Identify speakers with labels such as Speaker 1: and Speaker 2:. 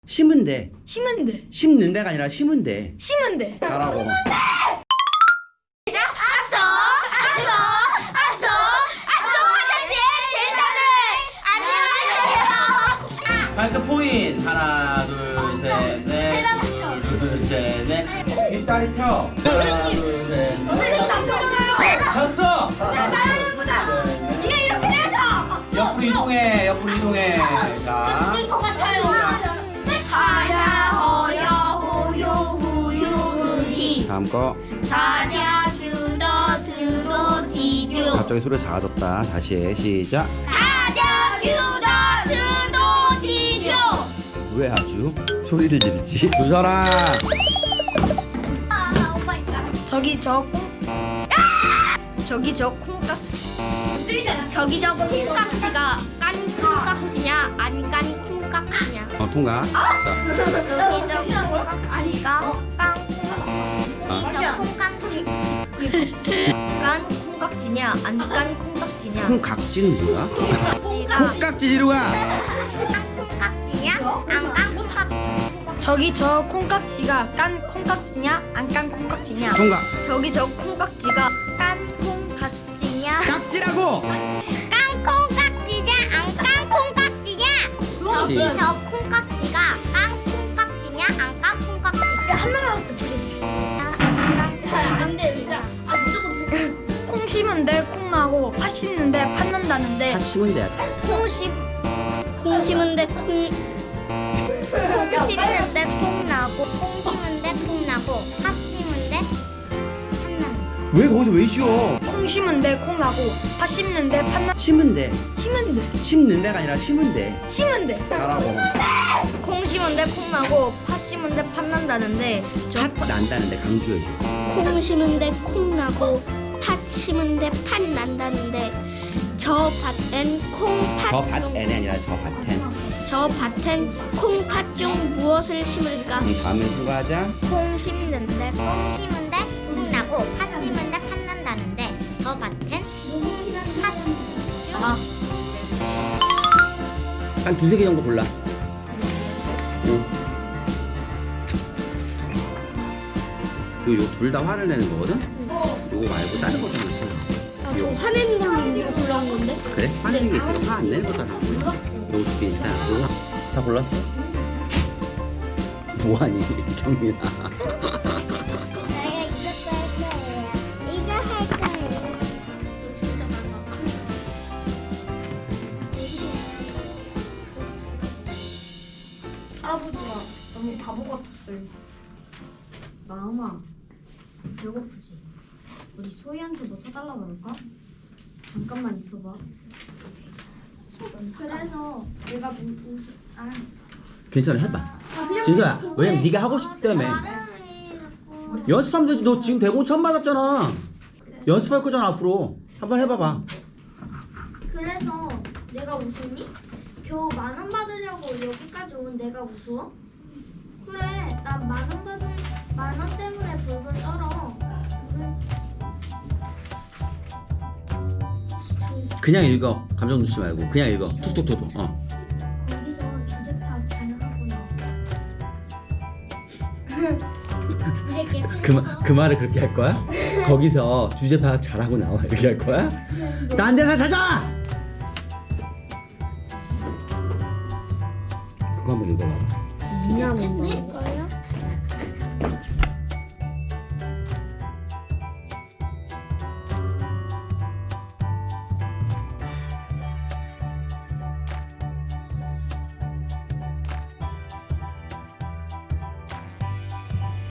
Speaker 1: 심은 데.
Speaker 2: 심은 데.
Speaker 1: 심는 데가 아니라 심은 데.
Speaker 2: 심은 데.
Speaker 1: 잘하고. 발끝 포인. 하나, 둘, 셋, 넷. 둘, 셋, 넷. 뒷다리 펴. 하나, 둘, 셋, 넷. 졌어.
Speaker 3: 네가 이렇게 해야죠.
Speaker 1: 옆으로 이동해. 옆으로 이동해. 자.
Speaker 3: 죽을 것 같아요. 하야 허여 호요 후유 흐히
Speaker 1: 다음 거.
Speaker 3: 다냐 주더 드도 디듀
Speaker 1: 갑자기 소리 작아졌다. 다시 해. 시작.
Speaker 3: 다냐 주더 드도 디듀.
Speaker 1: 왜 아주 소리를 지르지? 두 사람.
Speaker 3: 아 오마이갓.
Speaker 2: 저기 저
Speaker 3: 저기 저 콩깍지. 저기 저 콩깍지가 깐 콩깍지냐 안 깐 콩깍지냐.
Speaker 1: 통과. 자.
Speaker 3: 저기 저 콩깍지가 깐 콩깍지. 깐 콩깍지냐 안 깐 콩깍지냐.
Speaker 1: 콩깍지는 뭐야?
Speaker 3: 콩깍지가
Speaker 1: 콩깍지 뒤로 가.
Speaker 3: 콩깍지냐 안 깐 콩깍지냐.
Speaker 2: 저기 저 콩깍지가 깐 콩깍지냐 안 깐 콩깍지냐.
Speaker 1: 통과.
Speaker 3: 저기 저 콩깍지가 깐 콩깍지냐
Speaker 1: 깍지라고.
Speaker 3: 깐 콩깍지냐 안 깐 콩깍지냐. 저기 저 콩깍지가 깐 콩깍지냐 안 깐 콩깍지냐.
Speaker 2: 한명 남았어.
Speaker 3: 안돼 진짜. 아 무조건
Speaker 2: 콩 심은 데 콩 나고 팥 심는 데 팥 난다는데.
Speaker 1: 다 심은 데.
Speaker 3: 콩 심은데 콩 심는데 콩 나고 콩 심은데 콩 나고 팥 심은데 팥 나고.
Speaker 1: 왜 거기서 왜 쉬어?
Speaker 2: 콩 심은 데 콩 나고 팥 심는 데 팥 나.
Speaker 1: 심은 데.
Speaker 2: 심은 데.
Speaker 1: 심는 데가 아니라 심은 데.
Speaker 2: 심은 데.
Speaker 1: 잘하고.
Speaker 3: 콩 심은데 콩 나고 팥 심은데 팥 난다는데
Speaker 1: 팥 난다는데 강조해줘.
Speaker 3: 콩 심은데 콩 나고 팥 심은데 팥 난다는데 저 밭엔 콩팥
Speaker 1: 저 밭에는 아니라 저 밭엔.
Speaker 3: 저 밭엔 콩팥 중 무엇을 심을까?
Speaker 1: 다음에 수고하자.
Speaker 3: 콩 심는데 콩 심은데 콩 나고 팥 심은데 팥 난다는데 저 밭엔 팥
Speaker 1: 한 두세 개 정도 골라. 응. 요 둘 다 화를 내는 거거든? 요거 말고 다른 것도 하나 찾아. 요.
Speaker 3: 화내는 걸로 골라온 건데?
Speaker 1: 그래? 화내는 게 있으니까 화 안 내는 것도 하나 골라. 요거 두 개 있다. 요거 다 골랐어? 뭐하니 경민아.
Speaker 3: 내가 이것도 할 거예요. 이거 할 거예요. 진짜 많아.
Speaker 2: 할아버지가 너무 바보 같았어요.
Speaker 4: 마음아, 배고프지? 우리 소희한테 뭐 사달라 그럴까? 잠깐만 있어봐.
Speaker 3: 그래서 내가
Speaker 1: 괜찮아 해봐. 진서야 왜냐면 네가 하고 싶다며. 연습하면 되지. 너 지금 대본 처음 받았잖아. 연습할 거잖아 앞으로. 한번 해봐봐.
Speaker 3: 그래서 내가 웃었니? 겨우 10,000원 받으려고 여기까지 온 내가 우스워? 그래, 난 10,000원 때문에 벌벌 떨어.
Speaker 1: 그냥 읽어. 감정 넣지 말고 그냥 읽어. 툭툭툭.
Speaker 3: 거기서 주제 파악 잘 하고 나와.
Speaker 1: 그 말을 그렇게 할 거야? 거기서 주제 파악 잘하고 나와 이렇게 할 거야? 딴 데나 찾아! 그거 한번 읽어봐.
Speaker 4: 미안해.
Speaker 3: 거야?